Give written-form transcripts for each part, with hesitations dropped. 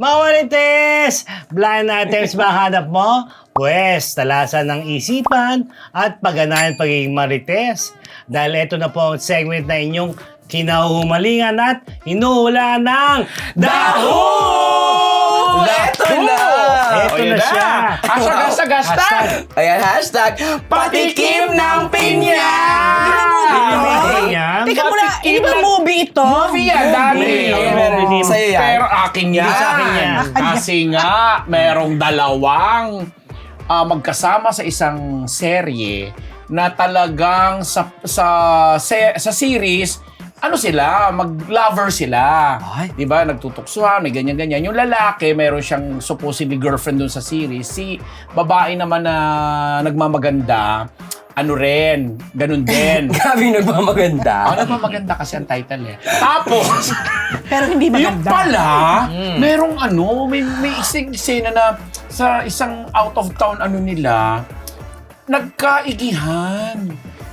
Marites! Blind items ba hanap mo? Pwes, talasan ng isipan at pagganahan pagiging marites. Dahil ito na po ang segment na inyong kinahumalingan at hinuhulaan ng Daho! Eto na! Ito na siya. Hashtag. Ayan, hashtag patikim ng pinya! Teka muna, hindi ba movie ito? Movie yan, dami. Hindi. Sa'yo yan. Pero akin yan. Hindi sa akin yan. Kasi nga, merong dalawang magkasama sa isang serye na talagang sa series, ano sila, mag-lover sila. Ay. Diba? Nagtutuksuhan, may ganyan-ganyan. Yung lalaki, meron siyang supposedly girlfriend dun sa series. Si babae naman na nagmamaganda, ano rin, ganun din. Grabe nagmamaganda. Nagmamaganda kasi ang title eh. Tapos, Pero hindi yung maganda. pala, merong may isang eksena na sa isang out of town nila, nagkaigihan.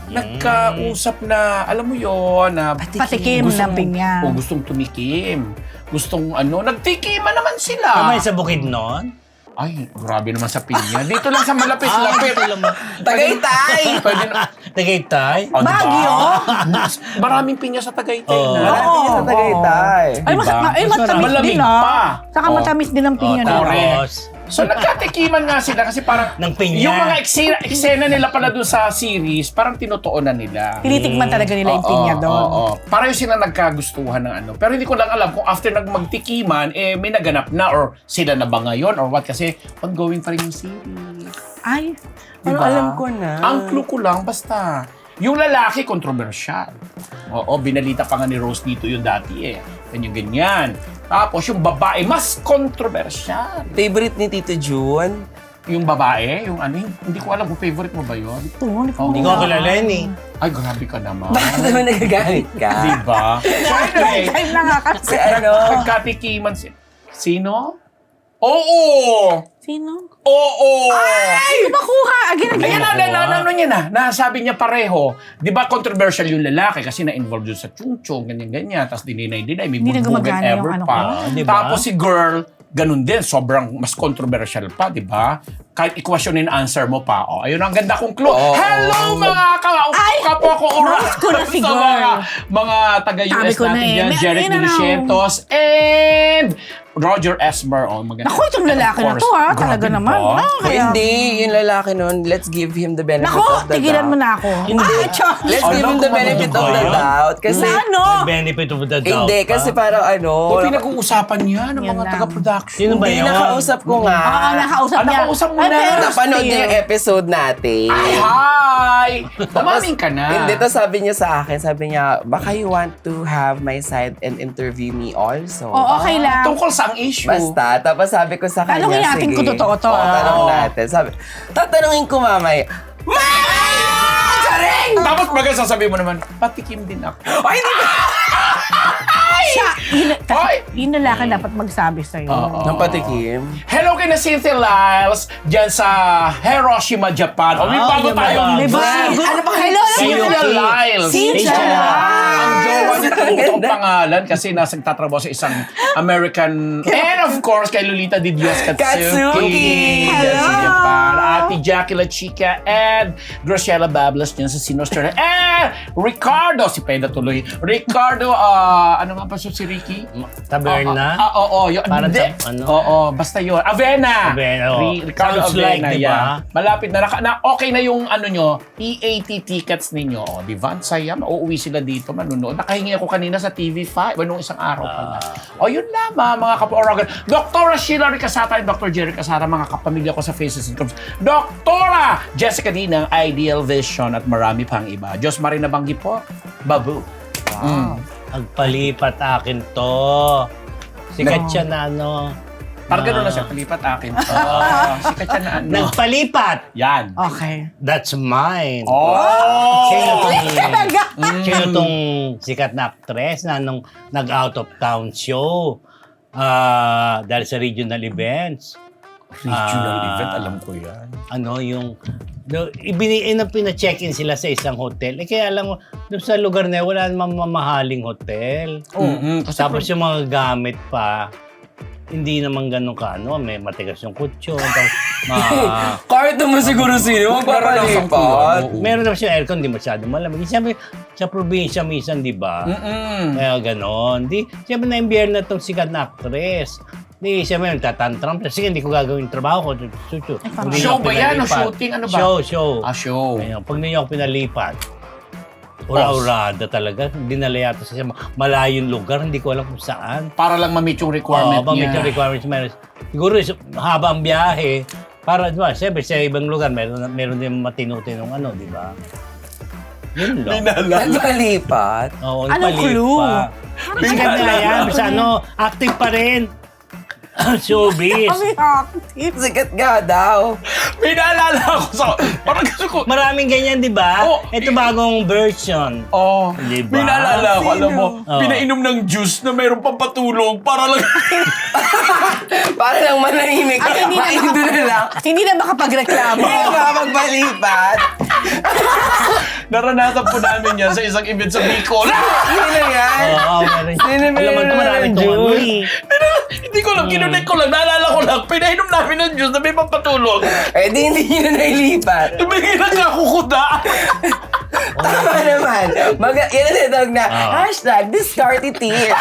Nagkausap na, alam mo yon na Patikim ng pinya. O gustong tumikim. Gustong nagtikiman naman sila. Kamay sa bukid nun? Ay, grabe naman sa pinya. Dito lang sa malapit-lapit. Tagaytay! Pwede na. Tagaytay? Oh, diba? Baguio? Maraming pinya sa Tagaytay Oo. na. Marami Oo. sa Tagaytay. Ay, Diba? matamis Malamig din pa. Saka Oh. matamis din ang pinya na. Tapos, So nagkatikiman nga sila kasi parang Ng pinya. yung mga eksena nila pala doon sa series, parang tinutuunan nila. Tinitikman talaga nila yung pinya doon. Oo. Parang sila nagkagustuhan ng ano. Pero hindi ko lang alam kung after magtikiman, may naganap na or sila na ba ngayon or what kasi ongoing pa rin yung series. Ay, Pero Diba? alam ko na. Ang clue ko lang, basta, yung lalaki, kontrobersyal. Oo, binalita pa nga ni Rose dito yung dati eh. Ganyan-ganyan. Tapos yung babae, mas kontrobersyal. Favorite ni Tito June? Yung babae, yung hindi ko alam kung favorite mo ba yun. ito, hindi ko hindi ko kilala yun eh. Ay, grabe ka naman. Bakit naman nagagalit ka? Diba? So anyway, Time na nga kasi. Si ano? nagkatikiman Sino? Oo! Sino? Oo! Ay, makuha! Again. Ayan niya na. Nasabi niya pareho. Di ba controversial yung lalaki kasi na-involved yun sa chung-chung, ganyan-ganyan. Tapos dinay, may Hindi na bulbugan gumagana yung ever ano pa. ko. Di ba? Tapos si girl, ganun din. Sobrang mas controversial pa, di ba? Kahit i-question and answer mo pa. O, ayun ang ganda kong clue. Oo. Hello mga kapwa ko oras. Nose ko na si Sa girl. mga taga-US Sabi ko na natin eh. dyan. May Jeric ano na raw. Dulucientos and Roger Esmer. Oh, maganda. Naku, itong lalaki na to ha. Talaga Grabe naman. ba? Kaya... Hindi, yung lalaki nun, let's give him the benefit Naku, of the tigilan mo doubt. na ako. Hindi. Chok. Let's give him the Alam ko, benefit of the ano ba doubt. Kasi, Na ano? Benefit of the doubt. hindi, pa. kasi parang O, pinag-uusapan niya ng Yan mga lang. taga-production. Sino ba hindi yun? nakausap ko nga. Oo, nakausap niya. nakausap mo Ay, na. pero Napanood niya still. yung episode natin. Ay, hi! Umamin ka na. Hindi, to sabi niya sa akin, sabi niya, baka you want to have my side and interview me also. Oo, okay lang. Tungkol sa ang issue. Basta, tapos sabi ko sa kanya, Tanungin natin sige. kung totoo to. Oo, tanong natin. Sabi, tatanungin ko mamaya, Charing! Tapos bagay sasabihin mo naman, patikim din ako. Ay, hindi ba? Siya, Hoy! yun lalaki dapat magsabi sa'yo. Oo. Nang patikim? Hello kay na Cynthia Lyles dyan sa Hiroshima, Japan. O, may Ah, bago yun tayong ba? Diba? Ano ba? Hello, Cynthia Lyles. Cynthia Lyles. Ang jowa niya talaga itong pangalan kasi nasa nagtatrabaho sa isang American and of course kay Lolita Di Dios Katsuki. Katsuki. Dyan sa Hello. Japan. Ate Jackie La Chica and Graciela Bablas dyan sa Sinostera. And Ricardo, si Peda tuloy. Ricardo, ano nga ba si Ricky? Taberna? Oo. Parang Hindi. sa- ano? Oo, basta yun. Avena. Avena, oo. Ricardo Sounds like, Avena, di ba? yeah. Malapit na. Okay na yung ano nyo, EAT tickets ninyo. O, di ba? Ang saya. Mauuwi sila dito, manunood. Nakahingi ako kanina sa TV5. Nung isang araw pala. O, yun lamang, mga kapwa-oragan. Dr. Sheila Ricasata and Dr. Jerry Casara, mga kapamilya ko sa Faces and Curves. Dr. Jessica D ng Ideal Vision at marami pang iba. Diyos Marina Banggi po. Babu. Wow. Agpalipat akin to. Sikat siya na ano. Parang gano'n na siya, palipat akin. Sikat siya na ano. Nagpalipat! Yan. Okay. That's mine. Oh! Sino tong sikat na actress na nung nag-out of town show dahil sa regional events. Regional Ah. event, alam ko yan. Ano yung pina-check-in sila sa isang hotel. Kaya alam mo, doon sa lugar na yun, wala namang mamahaling hotel. Mm-mm, kasi Tapos yung mga gamit pa, hindi naman ganun ka, may matigas yung kutsyon. Kahit naman siguro sino, magpapalipat. Meron naman siya aircon, di masyado malamig. Siyempre, sa probinsya minsan, di ba? Kaya ganon. Siyempre na imbierno itong sikat na actress. Siyempre, nagtatantram. Sige, hindi ko gagawin yung trabaho ko. Show ba yan o shooting? Ano ba? Show. Show. Ayun, pag ninyo ako pinalipat, ura-urada talaga. Dinala yata sa malayong lugar, hindi ko alam kung saan. Para lang ma-meet yung requirement niya. Ma-meet yung requirements. Siguro, haba ang biyahe. Para, di ba, siyempre, sa ibang lugar, meron din matino-tinong di ba? Yun lang. Nagpalipat? Oo, Anong nagpalipat. clue? Sikat na yan. Basta active pa rin. Showbiz. Kami active. Sikat nga daw. May naalala ako sa... Parang gusto ko... Maraming ganyan, di ba? Ito bagong version. Di ba? May naalala ako, alam mo, Oo. pinainom ng juice na mayroong pampatulog para lang... Para lang manahimik. At hindi na Maindo na lang. At hindi na makapagreklamo. Hindi nga magpalipat. Naranasan po namin yan sa isang event sa Bicol. Yun na yan. Oo, meron. Sinimili Alam mo, na marami ng itong juice. Hindi ko lang, kinunik ko lang, naalala ko lang, pinainom namin ng juice na may pampatulog. Eh, di hindi nyo na nailipat. Tumingin lang kakukuda. Tama naman. Yan ang tinatawag na, #discarty tears.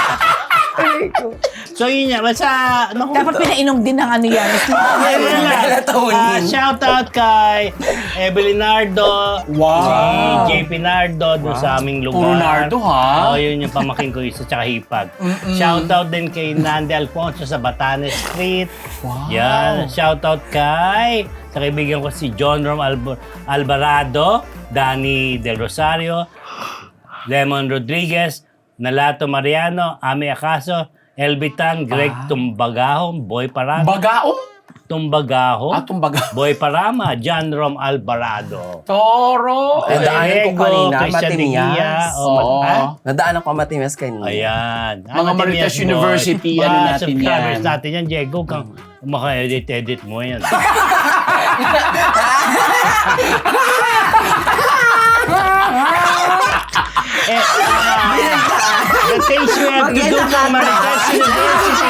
So yun nga, basta... Dapat pinainom din ng yan. Melatonin. Shout out kay Evelyn Nardo, si JP Nardo doon sa aming lugar. Puro Nardo, ha? Oo, yun yung pamaking ko isa, tsaka hipag. Shout out din kay Nande Alfonso sa Batanes Street. Wow. Yan. Shout out kay sa kaibigan ko si John Rom Alvarado, Danny Del Rosario, Lemon Rodriguez, Nalato Mariano, Ami Acaso, Elbitan, Greg Tumbagahon, Boy Parama. Bagaong? Tumbagahon, Tumbagahon. Boy Parama, John Rom Alvarado. Toro. Nadaanan ko kanina, Christian Matimias. Digia, Nadaan ako Matimias kanina. Ayan. Mga Marites University, Mga ano natin subscribers yan. natin yan, Diego. Kung maka-edit mo yan. The things we have to do for Marites University.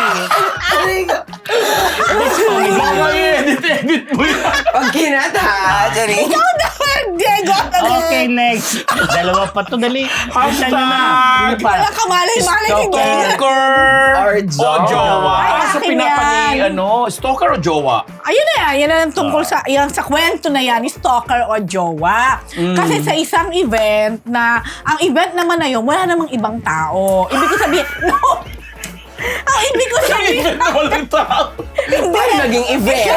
This comedy. Baka i-edit mo yan. Pag kinata, Jerry. Ikaw na, Diego. Okay, next. Dalawa pa to, dali. Isa nyo na. Ano pa? Wala ka malay-malay si Diego. Stalker Or o jowa? Ay, So akin pinapani, yan. stalker o jowa? Ayun na yan ang tungkol sa kwento na yan, stalker o jowa. Kasi sa isang event na, ang event naman na yun, wala namang ibang tao. Ibig ko sabihin, no! Ang ibig ko sabihin, Event na walang tao. Paano naging event?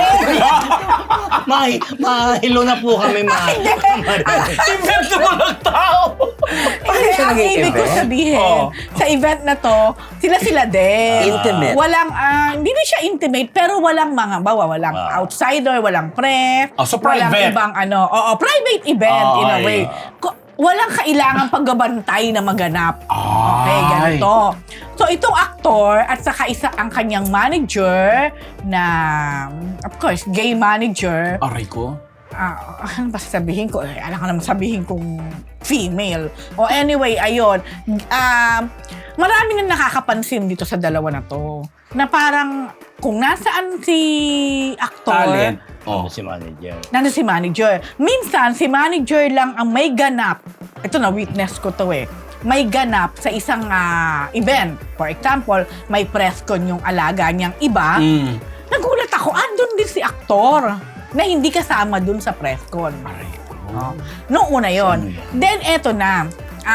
Mahilo na po kami, Event na walang tao. hindi, siya ang naging ibig ko event? sabihin, sa event na to, sila din. Intimate. Walang, hindi na siya intimate, pero walang walang outsider, walang pref, So walang private. ibang private event in a Ay. way. Walang kailangang paggabantay na maganap. Okay, Ay. ganito. So, itong aktor at saka ang kanyang manager na, of course, gay manager. Aray ko. Ano ba sasabihin ko? Alam ka naman sabihin kong female. O anyway, ayun. Marami na nakakapansin dito sa dalawa na to. Na parang kung nasaan si aktor, Talent. Si manager. nandun si manager. Minsan, si manager lang ang may ganap. Ito na, witness ko to may ganap sa isang event. For example, may press con yung alaga niyang iba. Nagulat ako, andun din si aktor na hindi kasama dun sa press con. Noong una yon. Then, eto na.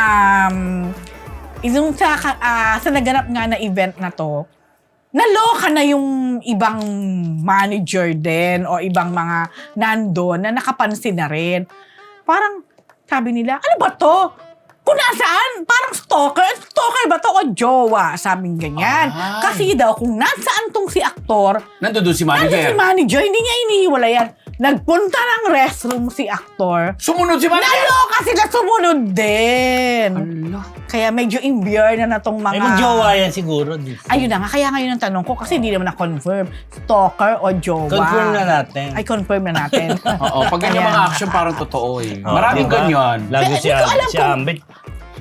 Yung sa naganap nga na event na to, naloka na yung ibang manager din o ibang mga nandun na nakapansin na rin. Parang sabi nila, ano ba to? Kung nasaan? Parang stalker? Stalker ba to o jowa? Sabing ganyan. Kasi daw, kung nasaan tong si aktor, Nandun si nandun si manager. manager, hindi niya inihiwalayan. Nagpunta ng restroom si aktor. Sumunod si manager. Naloka sila sumunod din. Kaya medyo imbier na tong mga... Ay, mag-jowa yan siguro. Ayun na nga, kaya ngayon ang tanong ko kasi hindi naman na-confirm. Stalker o jowa? Confirm na natin. Ay, confirm na natin. Oo, pag ganyan Ayan. mga action parang totoo eh. Oh, Maraming diba? ganyan. Lagi Hindi ko alam si kung- Ambit.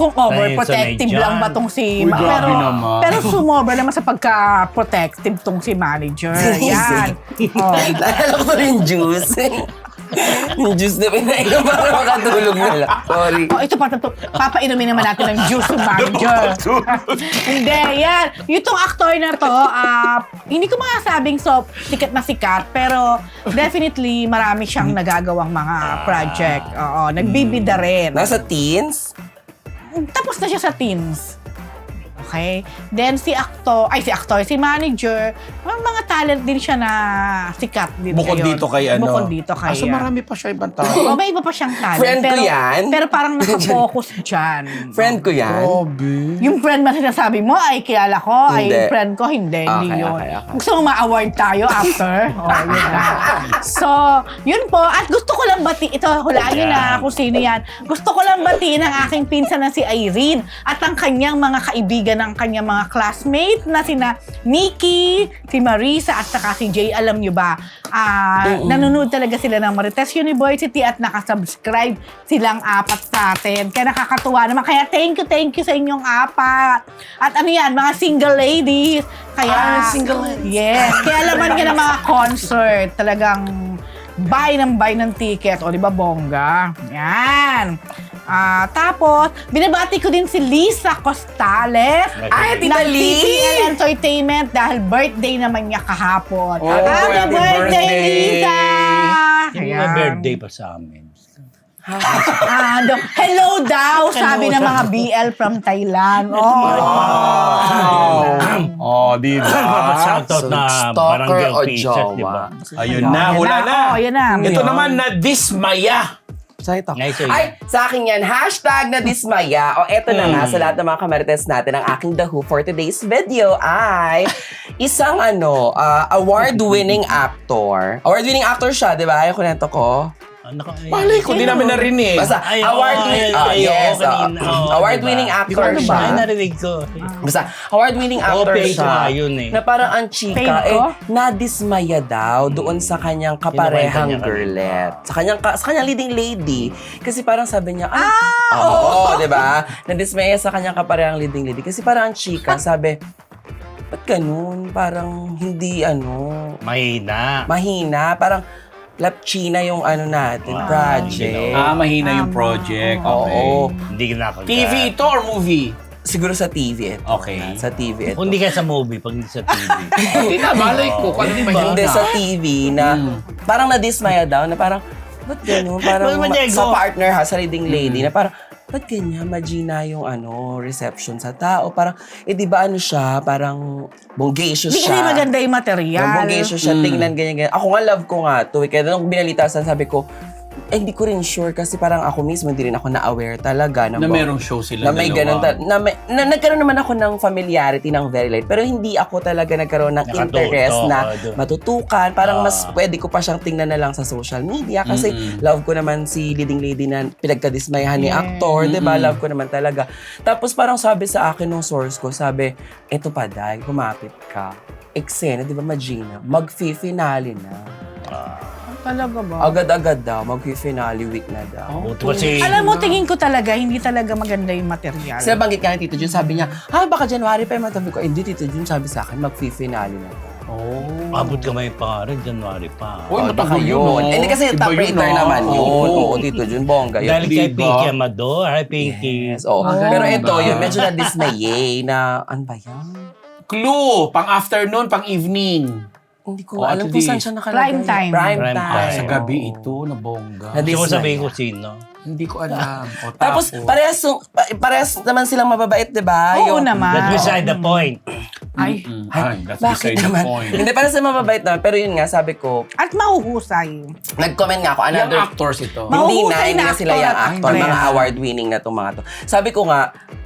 kung overprotective Sanay lang ba dyan. tong si... Uy, grabe naman. pero sumobra naman sa pagka-protective tong si manager. Yan. Oh. Naalala ko rin yung juice. Yung juice na pinainom para makatulog na lang. Sorry. Oh, ito papainumin naman natin ng juice ng manager. Hindi, yan. Itong actor na to, hindi ko masasabing sikat na sikat, pero definitely marami siyang nagagawang mga project. Oo, nagbibida rin. Nasa teens? Tapos na siya sa teens. Okay? Then si manager, mga talent din siya na sikat din Bukod ngayon. dito kay ano. Bukod dito kay... So marami pa siya ibang tao. O, may iba pa siyang talent. Friend ko yan. Pero parang nakafocus dyan. Friend ko yan. Grabe. Yung friend ba sinasabi mo, ay kilala ko, Hindi. ay friend ko, hindi Okay, yun. okay. Gusto mo ma-award tayo after? Yun na. So, yun po. At gusto ko lang ito, hulaan nyo na kung sino yan. Gusto ko lang batiin ang aking pinsan na si Irene at ang kanyang mga kaibigan ng kanyang mga classmate na sina Nikki, si Marisa at saka si Jay. Alam nyo ba, nanonood talaga sila ng Marites University at nakasubscribe silang 4 sa atin. Kaya nakakatuwa naman. Kaya thank you sa inyong 4. At ano yan, mga single ladies. Kaya, single ladies. Yes. Kaya laman nga ng mga concert. Talagang buy ng ticket. O, di ba, bongga? Yan. Tapos, binabati ko din si Lisa Costales. Ay, Tita ng Lee! TTL Entertainment dahil birthday naman niya kahapon. Oh, Happy happy birthday, birthday! Lisa! Yung mga birthday pa sa amin. Hello daw, sabi ng mga BL from Thailand. Oh, di ba? Shoutout na stalker barangay o officials, di ba? Ayun na, hula na. Yan na. Ito naman na dismaya. Sa'yo to. Ngayon, so Ay, sa akin yan, hashtag na dismaya. O eto na nga, sa lahat ng mga kamarites natin, ang aking The Who for today's video ay isang award-winning actor. Award-winning actor siya, di ba? Ayaw kunento ko. Malay ko, di namin narinig. Basta, Ay, award-winning, yes, award-winning actor Ay, siya. narinig ko. Basta, award-winning actor fake siya. nga yun eh. Na parang ang chika, Fake ko? nadismaya daw doon sa kanyang kaparehang Kinukwenta niya girlet. Sa kanyang leading lady. Kasi parang sabi niya, oo, di ba? Nadismaya sa kanyang kaparehang leading lady. Kasi parang ang chika, sabi, ba't ganun? Parang hindi, Mahina. mahina. Parang, lapchina yung natin, project. Mahina yung project. Okay. Oo. Hindi ka nakagat. TV ito or movie? Siguro sa TV ito. Okay. Sa TV ito. Kung hindi ka sa movie, pag hindi sa TV. Hindi na, malay ko. Kung hindi mahina. Hindi sa TV na parang nadismaya daw na parang ba't gano'n? Parang Ba't Diego? sa partner ha, sa leading lady na parang ba't ganyan? Magina yung reception sa tao. Parang, di ba siya? Parang bonggacious Hindi siya. kasi maganda yung material. Yung bonggacious siya, tingnan ganyan. Ako nga love ko nga to. Kaya nung binalitasan, sabi ko, hindi ko rin sure kasi parang ako mismo hindi rin ako na-aware talaga Na merong show sila na may ganun nagkaroon naman ako ng familiarity ng very light pero hindi ako talaga nagkaroon ng interest na matutukan. Parang mas pwede ko pa siyang tingnan na lang sa social media kasi love ko naman si leading lady na pinagkadismayahan ni actor, 'di ba? Love ko naman talaga. Tapos parang sabi sa akin ng source ko, sabi, eto pa dahil kumapit ka. Eksena, 'di ba, Magina? Mag-finale na. Talaga ba? Agad-agad daw, mag-finale week na daw. Buti kasi, Alam mo, tingin ko talaga, hindi talaga maganda yung material. Kasi banggit ka ni Tito Jun, sabi niya, baka January pa yung matabi ko. Hindi, Tito Jun, sabi sa akin, mag-finale na daw. abot ka may pangalan, January pa. Uy, Baka matagal yun. no? Hindi kasi Iba top yun, rater no? naman yun. Oo. Oo, Tito Jun, bongga yun. Dahil kay Diba? Pinky Amador, hi Pinky. Yes, oo. Pero ito, yun, medyo na-dismaye na, ano ba yan? Clue, pang-afternoon, pang-evening. Hindi ko Oh, alam at kung saan least. siya nakalagay. Prime time. Prime Prime time. time. Sa gabi Oo. ito, na bongga. Na- Hindi ko Disney. sabihin ko sino. Hindi ko alam. O, Tapos, parehas naman silang mababait, di ba? Oo naman. That's beside the point. Ay. That's Bakit beside the naman? point. Hindi, parehas na mababait naman. Pero yun nga, sabi ko, At mahuhusay. nag-comment nga ako, Yung another actors ito. Ma- Hindi Mahuhusay hindi na na sila actor yung at actor, actress. mga award-winning na itong mga to. Sabi ko nga,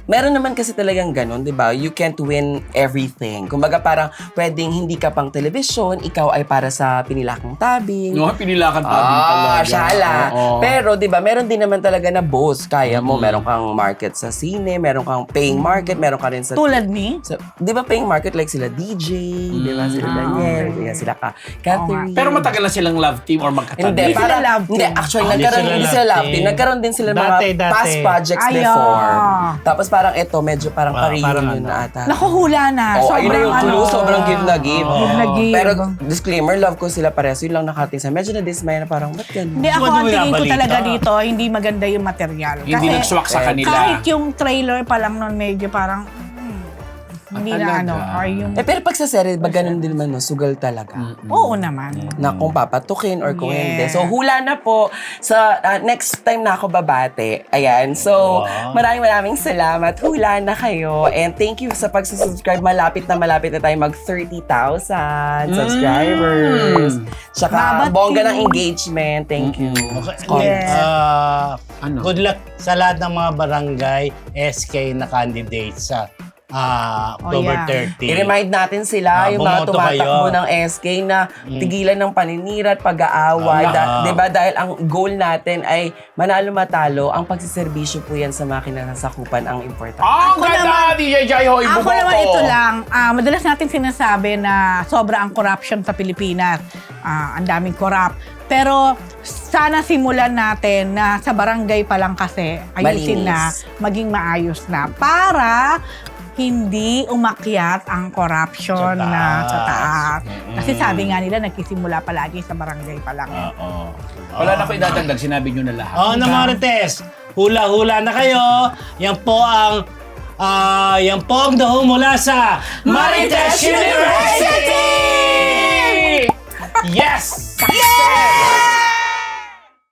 meron naman kasi talagang ganun, di ba? You can't win everything. Kumbaga parang pwedeng hindi ka pang television, ikaw ay para sa pinilakang tabing. No, pinilakan pa din talaga. Shala. Oo. Pero, di ba, meron din naman talaga na boss. Kaya mo, meron kang market sa sine, meron kang paying market, meron ka rin sa... Tulad ni? Di ba paying market like sila DJ, di ba? Sila Daniel, okay. sila Catherine. Pero matagal na silang love team or magkatabi? Hindi, Hindi sila parang, love hindi, team. actually, Hindi hindi sila sila love love team. team. Nagkaroon din sila Dati. mga past projects Ay, before. ah. Tapos parang ito, medyo parang Parang pa-reunion ano. na ata. Nakuhula na. Oh, ayun na yung clue. ano, Sobrang give na give. Give na give. Pero disclaimer, love ko sila parehas. Yun lang nakating sa. Medyo na-dismay na parang, ba't ganun? Hindi ako, Ano ang tingin ko binabalita? talaga dito, hindi maganda yung material. Hindi nagswak sa kanila. kahit yung trailer pa lang nun, medyo parang, hindi na talaga? ano, or yung, Pero pag sa serye, ba ganun din naman, no? Sugal talaga. oo naman. Na kung papatukin or kung Yeah. hindi. So, hula na po sa next time na ako babate. Ayan. So, Wow. maraming salamat. Hula na kayo. And thank you sa pagsusubscribe. Malapit na tayo mag 30,000 subscribers. Tsaka, Babati. bongga ng engagement. Thank you. Okay. Yes. Ano? Good luck sa lahat ng mga barangay SK na candidates sa October yeah. 30. I-remind natin sila, yung mga bumoto tumatakbo kayo. ng SK na tigilan ng paninira at pag-aaway. Diba? Dahil ang goal natin ay manalo-matalo. Ang pagsiservisyo po yan sa makina sa sakupan ang importante. Ang ganda, DJ Jai Hoy, Ako buboto. naman ito lang, madalas natin sinasabi na sobra ang corruption sa Pilipinas. Ang daming corrupt. Pero sana simulan natin na sa barangay pa lang kasi ayusin na, Malinis. maging maayos na para hindi umakyat ang corruption Sa na taas. sa taas. Kasi sabi nga nila, nagsisimula palagi sa barangay pa lang. Oo. Wala na ko idadagdag, sinabi nyo na lahat. Oh, na Marites, hula-hula na kayo. Yan po ang daho mula sa Marites University! Yes! Yeah!